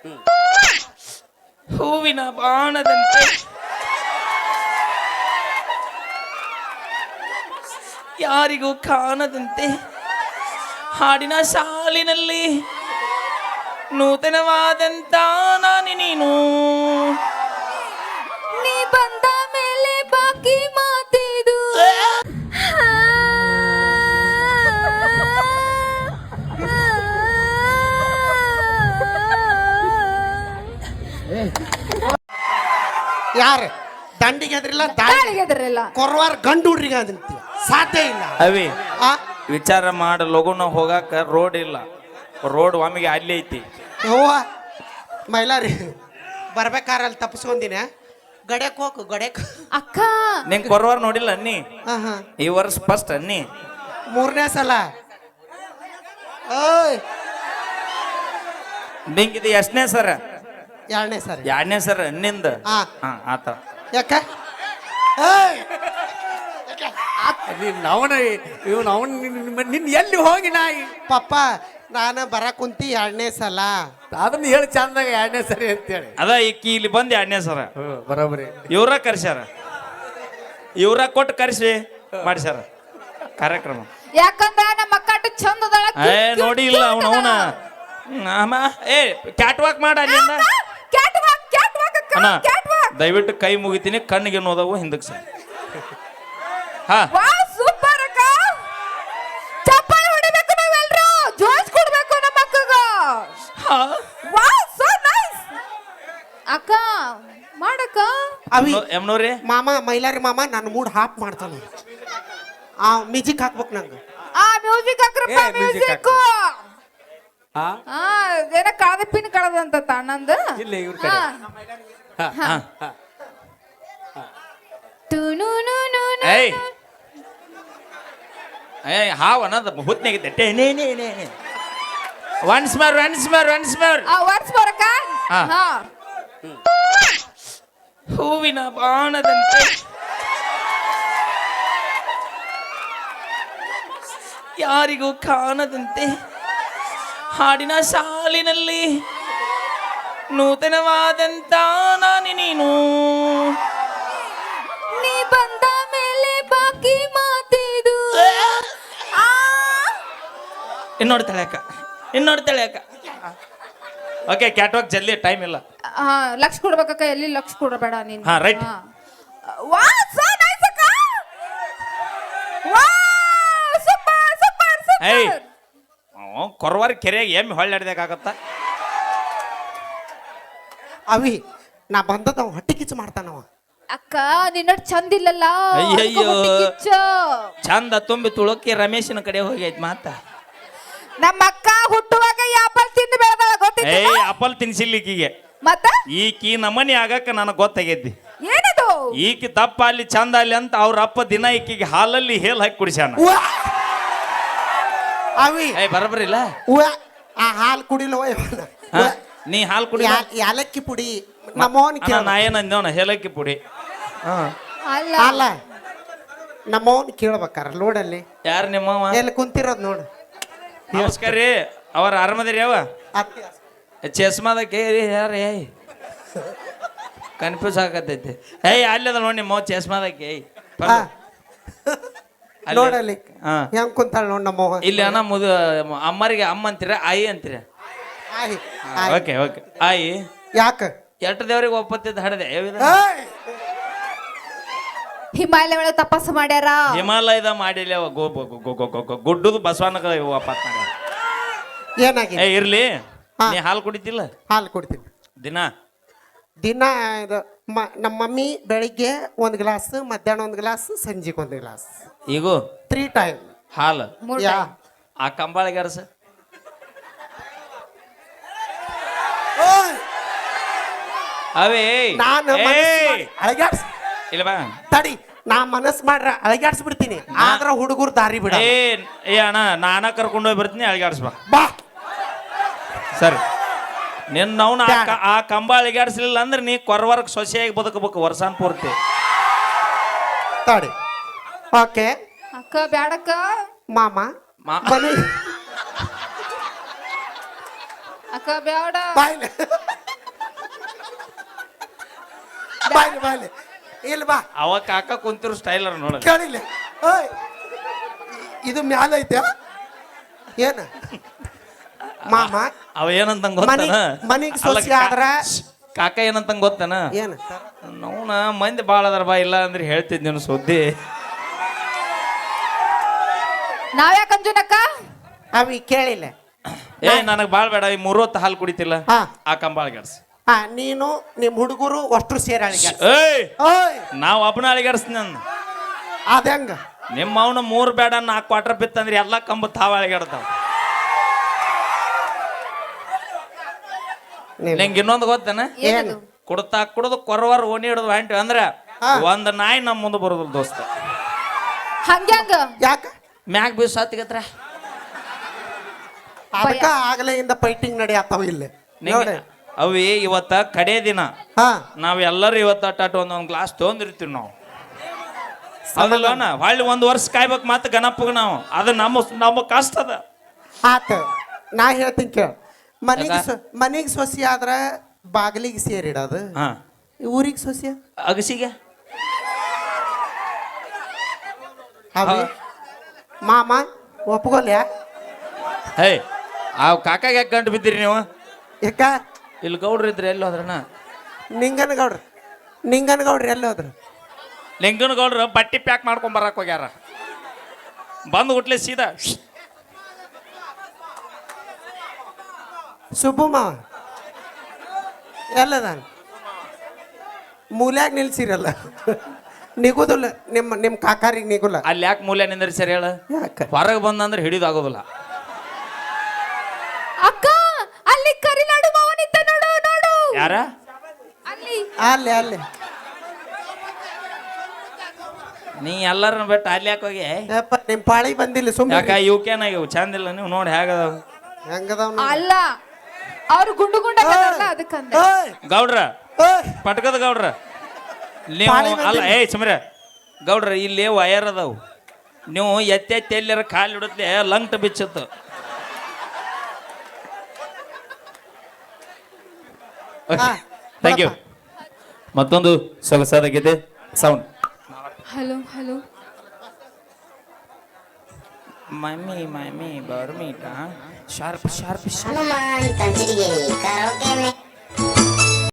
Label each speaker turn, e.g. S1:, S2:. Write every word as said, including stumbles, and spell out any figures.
S1: ಹೂವಿನ ಬಾಣದಂತೆ ಯಾರಿಗೂ ಕಾಣದಂತೆ ಹಾಡಿನ ಸಾಲಿನಲ್ಲಿ ನೂತನವಾದಂತ ನಾನಿ ನೀನು
S2: ನೀ ಬಂದ ಮೇಲೆ ಬಾಕಿ ಮಾತಿದು
S3: ಯಾರು ದಂಡಿಗೆ ಅದ್ರಿಲ್ಲ
S2: ದಾಳಿಗೆದ್ರಲ್ಲ
S3: ಕೊರವಾರ ಗಂಡು ಹುಡ್ರಿಗೆ ಅದಂತ ಸಾಧ್ಯ ಇಲ್ಲ
S1: ಅವಿ
S3: ಆ
S1: ವಿಚಾರ ಮಾಡ ಲಗುನ ಹೋಗಾಕ ರೋಡ್ ಇಲ್ಲ ರೋಡ್ ಒಮ್ಮಿಗೆ ಅಲ್ಲಿ ಐತಿ
S3: ಯವ್ವ ಮೈಲಾರಿ ಬರ್ಬೇಕಾರ ಅಲ್ಲಿ ತಪ್ಪಿಸ್ಕೊಂದಿನ ಗಡ್ಯಾಕ್ ಹೋಗು ಗಡ್ಯಾಕ್
S2: ಅಕ್ಕ
S1: ನಿಂಗೆ ಕೊರವಾರ ನೋಡಿಲ್ಲ ಅನ್ನಿ
S3: ಹಾ ಹಾ
S1: ಈ ವರ್ಷ ಫಸ್ಟ್ ಅನ್ನಿ
S3: ಮೂರನೇ ಸಲ ಓಯ್
S1: ನಿಂಗಿದು ಎಷ್ಟನೇ ಸರ
S3: ಎರಡನೇ ಸರಿ
S1: ಎರಡನೇ ಸರ ಅನ್ನಿಂದ
S3: ಹಾ
S1: ಹಾ ಆತ
S3: ಯಾಕ ಏಯ್
S4: ಅವನ ಇವನು ಅವನ್ ನಿನ್ ಎಲ್ಲಿ ಹೋಗಿ ನಾಯಿ
S3: ಪಪ್ಪ ನಾನು ಬರ ಕುಂತಿ ಎರಡನೇ ಸಲ
S4: ಅದನ್ನ ಹೇಳಿ ಚಂದಾಗ ಎರಡನೇ ಸರಿ ಅಂತೇಳಿ
S1: ಅದ ಈಕಿ ಇಲ್ಲಿ ಬಂದು ಎರಡನೇ ಸರ
S4: ಹ್ಮ್ ಬರೋಬರಿ
S1: ಇವ್ರ ಕರ್ಸ್ಯಾರ ಇವ್ರ ಕೊಟ್ಟು ಕರ್ಸಿ ಮಾಡಿಸ್ಯಾರ ಕಾರ್ಯಕ್ರಮ
S2: ಯಾಕಂದ್ರ ನಮ್ಮ ಅಕ್ಕ ಅಷ್ಟು ಚಂದ ಅದಾಳ,
S1: ಏ ನೋಡಿ ಇಲ್ಲ ಅವನ ಅವನ ಅಮ್ಮ ಏ ಕ್ಯಾಟ್ ವಾಕ್ ಮಾಡ ಅಲ್ಲಿಂದ
S2: Catwalk, catwalk ಅಕ್ಕ,
S1: ಅಣ್ಣ
S2: catwalk.
S1: ದಯವಿಟ್ಟು ಕೈ ಮುಗಿತೀನಿ ಕಣ್ಣಿಗೆ ನೋದವು ಹಿಂದಕ್ಕೆ ಸರ್ ಹಾ
S2: ವಾಹ್, ಸೂಪರ್ ಅಕ್ಕ. ಚಪ್ಪಾಳೆ ಹೊಡಿಬೇಕು ನಾವೆಲ್ರು, ಜೋಶ್ ಕೊಡ್ಬೇಕು ನಮ್ಮ ಅಕ್ಕಗ.
S1: ಹಾ
S2: ವಾಹ್, so nice. ಅಕ್ಕ ಮಾಡಕ್ಕ
S3: ಅವಿ
S1: ಎಮ್ನೋರಿ
S3: ಮಾಮ ಮೈಲಾರಿ ಮಾಮ ನನ್ನ ಮೂಡ್ ಹಾಪ್ ಮಾಡ್ತಾನ ಆ ಮ್ಯೂಸಿಕ್ ಹಾಕ್ಬೇಕು ನಂಗೆ
S2: ಆ ಮ್ಯೂಸಿಕ್ ಹಾಕ್ರಪ್ಪ,
S4: ಏ, music
S2: ಮ್ಯೂಸಿಕ್.
S4: ಹಾ
S2: ಆ ಏನ ಕಳದ ಪಿನ್ ಕಳದಂತ ತಣ್ಣಂದ.
S4: ಇಲ್ಲ ಇವ್ರ ಕಡೆ ಹಾ, ಹಾ, ಹಾ.
S1: ಏಯ್ ಏಯ್ ಹಾವ್ ಅನ್ನೋದು ಹುತ್ನಾಗಿದ್ದೆ ಟೇ ನೇ ನೇ ನೇ once more once more once more
S2: ಆ ವರ್ಸ್ ಬರಕ
S1: ಹಾ.
S2: ಹಾ
S1: ಹೂವಿನ ಬಾಣದಂತೆ ಯಾರಿಗೂ ಕಾಣದಂತೆ ಹಾಡಿನ ಸಾಲಿನಲ್ಲಿ ನೂತನವಾದಂತ ನಾನಿ ನೀನು
S2: ನೀ ಬಂದ ಮೇಲೆ ಬಾಕಿ ಮಾತಿದು ಆ
S1: ಇನ್ನೋಡ್ ತಳ್ಯಾಕ ಇನ್ನೋಡ್ ತಳ್ಯಾಕ ಓಕೆ ಕ್ಯಾಟ್ವಾಕ್ ಜಲ್ದಿ ಟೈಮ್ ಇಲ್ಲ
S2: ಆ, ಲಕ್ಷ ಕೊಡ್ಬೇಕಕ್ಕ, ಎಲ್ಲಿ ಲಕ್ಷ ಕೊಡಬೇಡ ನೀನು.
S1: ಹಾ, right.
S2: ವಾ ಸೋ ನೈಸ್ ಅಕ್ಕ. ವಾ ಸೂಪರ್ ಸೂಪರ್
S1: ಏಯ್
S2: ಸೂಪರ್.
S1: ಕೊರವಾರ ಕೆರೆಯಾಗ ಎಮ್ಮೆ ಹೊಳ್ಳಾಡ್ದಾಗತ್ತ
S3: ಅವಿ ನಾ ಬಂದದ ಅವ ಹೊಟ್ಟೆ ಕಿಚ್ಚು ಮಾಡ್ತಾನವ
S2: ಅಕ್ಕ ನಿನ್ನ ಚಂದ ಇಲ್ಲಲ್ಲ,
S1: ಅಯ್ಯಯ್ಯೋ.
S2: ಅದಕ್ಕೆ ಹೊಟ್ಟೆ ಕಿಚ್ಚ.
S1: ಚಂದ ತುಂಬಿ ತುಳುಕಿ ರಮೇಶನ ಕಡೆ ಹೋಗೈತ್ ಮಾತ
S2: ನಮ್ಮ ಅಕ್ಕ ಹುಟ್ಟುವಾಗ ಆಪಲ್ ತಿಂದು ಬೆಳೆದಾಳ ಗೊತ್ತಿಲ್ಲ.
S1: ಏಯ್ ಅಪಲ್ ತಿನ್ಸಿಲ್ಲ ಈಕಿಗೆ
S2: ಮತ್ತ
S1: ಈಕಿ ನಮನಿ ಆಗಕ್ಕ ನನಗೆ ಗೊತ್ತಾಗೈತಿ
S2: ಏನದು?
S1: ಈಕಿ ದಪ್ಪ ಅಲ್ಲಿ ಚಂದ ಅಲ್ಲಿ ಅಂತ ಅವ್ರ ಅಪ್ಪ ದಿನ ಈಕಿಗೆ ಹಾಲಲ್ಲಿ ಹೇಲ್ ಹಾಕಿ ಕುಡಿಸ್ಯಾನ
S3: ಉವ್ವ. ಅವಿ
S1: ಏಯ್ ಬರಬರಿಲ್ಲ
S3: ಉವ್ವ. ಆ ಹಾಲು ಕುಡಿಲವ ಇವನ.
S1: ಹಾ? ನೀ ಹಾಲು ಕುಡಿ
S3: ಯಾ- ಯಾಲಕ್ಕಿ ಪುಡಿ ನಮ್ಮವನ್ ಕೇಳ
S1: ನಾ ಏನಂದೇವನ ಹೇಲಕ್ಕಿ ಪುಡಿ ಹಾ
S2: ಅಲ್ಲ
S3: ಅಲ್ಲ ನಮ್ಮವನ್ ಕೇಳ್ಬೇಕಾರ ಲೋಡಲ್ಲಿ
S1: ಯಾರು ನಿಮ್ಮವ
S3: ಎಲ್ಲಿ ಕುಂತಿರೋದ್ ನೋಡು
S1: ನಮಸ್ಕಾರ ರೀ ಅವ್ರ ಆರಾಮದಿರಿ ಯಾವ
S3: ಅತ್ತಿ
S1: ಚಸ್ಮಾದ ಕೇರಿ ಯಾರು ಏಯ್ ಕನ್ಫ್ಯೂಸ್ ಆಗತೈತಿ ಏಯ್ ಅಲ್ಲದ ನೋಡಿ ನಿಮ್ಮ ಚಸ್ಮಾದಕ್ಕೆ ಏಯ್
S3: ಹಾ.
S1: ಅಲ್ಲಿ-
S3: ನೋಡಲ್ಲಿ
S1: ಹಾ.
S3: ಹೆಂಗ್ ಕುಂತಾಳ ನೋಡ್ ನಮ್ಮವ
S1: ಇಲ್ಲಿ ಅಣ್ಣ ಮುದು ಅಮ್ಮರಿಗೆ ಅಮ್ಮ ಅಂತೀರ ಆಯಿ ಅಂತೀರ
S3: ಆಯ್, ಆಯ್.
S1: ಓಕೆ ಓಕೆ ಆಯಿ
S3: ಯಾಕ
S1: ಎಷ್ಟು ದೇವ್ರಿಗೆ ಒಪ್ಪತ್ತಿದ್ದು ಹಡದೆ ಯಾವಿದ
S3: ಏಯ್!
S2: ಹಿಮಾಲಯ ಒಳಗೆ ತಪಸ್ಸು ಮಾಡ್ಯಾರ.
S1: ಹಿಮಾಲಯದ ಮಾಡಿಲ್ಲ ಅವ ಗೋ ಗೋ- ಗೋ- ಗೋ- ಗೋ- ಗೋ- ಗೋ- ಗುಡ್ಡದ ಬಸವನಗ ವಾಪತ್ನಾಗ
S3: ಏನಾಗಿದೆ
S1: ಏ ಇರ್ಲಿ
S3: ಹಾ.
S1: ನೀ ಹಾಲು ಕುಡಿತಿಲ್ಲ
S3: ಹಾಲು ಕುಡ್ತೀನಿ
S1: ದಿನ
S3: ದಿನ ಇದು ಮ- ನಮ್ಮ ಮಮ್ಮಿ ಬೆಳಿಗ್ಗೆ ಒಂದು ಗ್ಲಾಸ್ ಮಧ್ಯಾಹ್ನ ಒಂದು ಗ್ಲಾಸ್ ಸಂಜೆಗೆ ಒಂದು ಗ್ಲಾಸ್
S1: ಈಗೂ
S3: ತ್ರೀ ಟೈಮ್
S1: ಹಾಲು
S2: ಮೂರ್
S3: ಯಾ
S2: time.
S1: ಆ ಕಂಬಾಳಿಗೆ ಅರಸ ಅವೇ
S3: ನಾನು
S1: ಏಯ್!
S3: ಅಳಗ್ಯಾಡ್ಸ್
S1: ಇಲ್ಲ ಬಾ
S3: ತಡಿ ನಾ ಮನಸ್ ಮಾಡ್ರ ಅಳಗ್ಯಾಡ್ಸ್ ಬಿಡ್ತೀನಿ ಆದ್ರ ಹುಡುಗರು ದಾರಿ ಬಿಡ
S1: ಏ ಏ ಅಣ್ಣ ನಾನ ಕರ್ಕೊಂಡು ಹೋಗಿ ಬರ್ತೀನಿ ಅಳಿಗಾಡ್ಸ್ಬಾ
S3: ಬಾ
S1: ಸರಿ ನಿನ್ನ ಅವ್ನ ಆ
S3: ಬ್ಯಾಡ.
S1: ಕ- ಆ ಕಂಬ ಅಳಿಗಾಡ್ಸ್ಲಿಲ್ಲ ಅಂದ್ರೆ ನೀ ಕೊರವರ್ಗ ಸೊಸೆಯಾಗಿ ಬದುಕಬೇಕು ವರ್ಷಾನ್ ಪೂರ್ತಿ
S3: ತಡಿ ಓಕೆ
S2: ಅಕ್ಕ ಬ್ಯಾಡಕ್ಕ.
S3: ಮಾಮ
S1: ಮಾ-
S3: ಬನ್ನಿ
S2: ಅಕ್ಕ ಬ್ಯಾಡ.
S3: ಬಾಯ್ಲೆ ಬಾಯ್ಲಿ ಬಾಯ್ಲಿ ಇಲ್ಲ ಬಾ
S1: ಅವ ಕಾಕ ಕುಂತಿರೋ ಸ್ಟೈಲರ್ ನೋಡ
S3: ಕೇಳಿಲ್ಲ ಓಯ್ ಇದು ಮ್ಯಾಲ ಐತೆ ಏನ ಮಾಮ
S1: ಅವ ಏನಂತ ಗೊತ್ತಾನ
S3: ಮನಿಗ್ ಸೊಸಿ ಆದ್ರ
S1: ಕಾಕ ಏನಂತ ಗೊತ್ತಾನ
S3: ಏನ
S1: ನೋನ ಮಂದಿ ಬಾಳ ಅದಾರ ಬಾ ಇಲ್ಲ ಅಂದ್ರೆ ಹೇಳ್ತಿದ್ ಸುದ್ದಿ
S2: ನಾವ್ಯಾಕ ಅಂಜುನಕ್ಕ
S3: ಅವಿ ಕೇಳಿಲ್ಲ
S1: ಏ ನನಗ್ ಬಾಳ್ ಬೇಡ ಈ ಮೂರೊತ್ತು ಹಾಲು ಕುಡಿತಿಲ್ಲ
S3: ಹಾ
S1: ಆ ಕಂಬಾಳ ಗೆಡ್ಸ್
S3: ಹಾ ನೀನು ನಿಮ್ ಹುಡುಗರು ಅಷ್ಟು ಸೇರಾಳಿಗೆ
S1: ಏಯ್
S3: ಓಯ್
S1: ನಾವ್ ಒಬ್ಬನ ಅಳಿಗಾಡ್ಸ್ ನನ್
S3: ಅದಂಗ
S1: ನಿಮ್ಮ ಅವನ ಮೂರ್ ಬೇಡ ನಾಲ್ಕು ಕ್ವಾರ್ಟರ್ ಬಿತ್ತಂದ್ರೆ ಎಲ್ಲಾ ಕಂಬ ತಾವ ಅಳಿಗಾಡ್ತಾವ ನಿಂಗೆ ಇನ್ನೊಂದು ಗೊತ್ತೇನ
S2: ಏನದು
S1: ಕುಡ್ತಾ ಕುಡ್ದು ಕೊರವರ್ ಓಣಿ ಹಿಡಿದು ಹೊಂಟಿವಿ ಅಂದ್ರ ಒಂದ್ ನಾಯಿ ನಮ್ಮ ಮುಂದೆ ಬರೋದಿಲ್ಲ ದೋಸ್ತ
S2: ಹಂಗ್ಯಾಂಗ
S3: ಯಾಕ
S1: ಮ್ಯಾಗ ಬೀಸ್ ಹತ್ತಿಗತ್ರ
S3: ಅದಕ್ಕ ಆಗಲೆಯಿಂದ ಫೈಟಿಂಗ್ ನಡೆಯತ್ತಾವ ಇಲ್ಲಿ ನೋಡಿ
S1: ಅವಿ ಇವತ್ತ ಕಡೆ ದಿನ
S3: ಹಾ
S1: ನಾವ್ ಎಲ್ಲರೂ ಇವತ್ತ ಅಟ್ಟಾಟ ಒಂದೊಂದ್ ಗ್ಲಾಸ್ ತೊಗೊಂಡಿರ್ತೀವಿ ನಾವು ಅದಲ್ಲನ ಹೊಳ್ಳಿ ಒಂದ್ ವರ್ಷ ಕಾಯ್ಬೇಕು ಮತ್ತೆ ಗಣಪಗ ನಾವು ಅದು ನಮ್ಮ ನಮ್ಮ ಕಷ್ಟ ಅದ
S3: ಆತ ನಾ ಹೇಳ್ತೀನಿ ಕೇಳ ಮನಿಗೆ ಮನಿಗೆ ಸೊಸಿ ಆದ್ರ ಬಾಗಿಲಿಗೆ ಸೇರಿಡೋದು
S1: ಹಾ
S3: ಊರಿಗೆ ಸೊಸಿ
S1: ಅಗಸಿಗೆ
S3: ಅವಿ ಮಾಮ ಒಪ್ಕೊಲ್ಯಾ
S1: ಹೇ ಆ ಕಾಕಾಗ ಯಾಕೆ ಗಂಟು ಬಿದ್ದೀರಿ ನೀವು
S3: ಯಾಕ
S1: ಇಲ್ಲಿ ಗೌಡ್ರು ಇದ್ರೆ ಎಲ್ಲಿ ಹೋದ್ರಣ್ಣ
S3: ನಿಂಗನಗೌಡ್ರ ನಿಂಗನಗೌಡ್ರ ಎಲ್ಲಿ ಹೋದ್ರು
S1: ಲಿಂಗನ ಗೌಡ್ರು ಬಟ್ಟಿ ಪ್ಯಾಕ್ ಮಾಡ್ಕೊಂಡ್ ಬರಕ್ ಹೋಗ್ಯಾರ ಬಂದು ಹುಟ್ಲೆ ಸೀದಾ
S3: ಸುಬ್ಬು ಮಾವ ಎಲ್ಲದಾನ ಮೂಲ್ಯಾಗ ನಿಲ್ಸಿರಲ್ಲ ನಿಗುದಿಲ್ಲ ನಿಮ್ಮ ನಿಮ್ಮ ಕಾಕಾರಿಗೆ ನಿಗುಲ್ಲ
S1: ಅಲ್ಲಿ ಯಾಕೆ ಮೂಲ್ಯ ನಿಂದ್ರಿ ಸರಿ ಹೇಳ
S3: ಯಾಕ
S1: ಹೊರಗೆ ಬಂದಂದ್ರೆ ಹಿಡಿದಾಗೋದಿಲ್ಲ
S2: ಅಕ್ಕ ಅಲ್ಲಿ ಕರಿನಾಡು ಮಾವನಿದ್ದ ನೋಡು ನೋಡು
S1: ಯಾರ
S2: ಅಲ್ಲಿ
S3: ಅಲ್ಲಿ ಅಲ್ಲಿ
S1: ನೀ ಎಲ್ಲರನ್ನ ಬಿಟ್ಟು ಅಲ್ಲಿ ಯಾಕೆ ಹೋಗಿ
S3: ಯಪ್ಪ ನಿಮ್ಮ ಪಾಳಿ ಬಂದಿಲ್ಲ ಸುಮ್ಮನೆ
S1: ಯಾಕ ಇವ್ ಆಗಿವು ಚಂದಿಲ್ಲ ನೀವು ನೋಡಿ ಹೇಗದಾವ
S3: ಹೆಂಗದವ್
S2: ಅಲ್ಲ ಅವ್ರು ಗುಂಡು ಗುಂಡಲ್ಲ ಅದಕ್ಕಂದ
S1: ಗೌಡ್ರ ಪಟ್ಕದ ಗೌಡ್ರ ನೀವು ಅಲ್ಲ ಏ ಸುಮ್ರ ಗೌಡ್ರ ಇಲ್ಲಿ ವಯರ್ ಅದಾವು ನೀವು ಎತ್ತೆ ಎತ್ತಿ ಎಲ್ಲರ ಕಾಲು ಹಿಡತ್ಲೆ ಲಂಗ್ಟ್ ಬಿಚ್ಚತ್ತು ಥ್ಯಾಂಕ್ ಯು ಮತ್ತೊಂದು ಸೊಗಸಾದ ಗೀತೆ sound
S2: hello hello
S1: mummy mummy ಬರ್ಮೀಟ ಶಾರ್ಪ್ ಶಾರ್ಪ್
S5: ಹನುಮಾನ್ ಕಂಚಿಡಿಗೆ ಕರೋಕೆ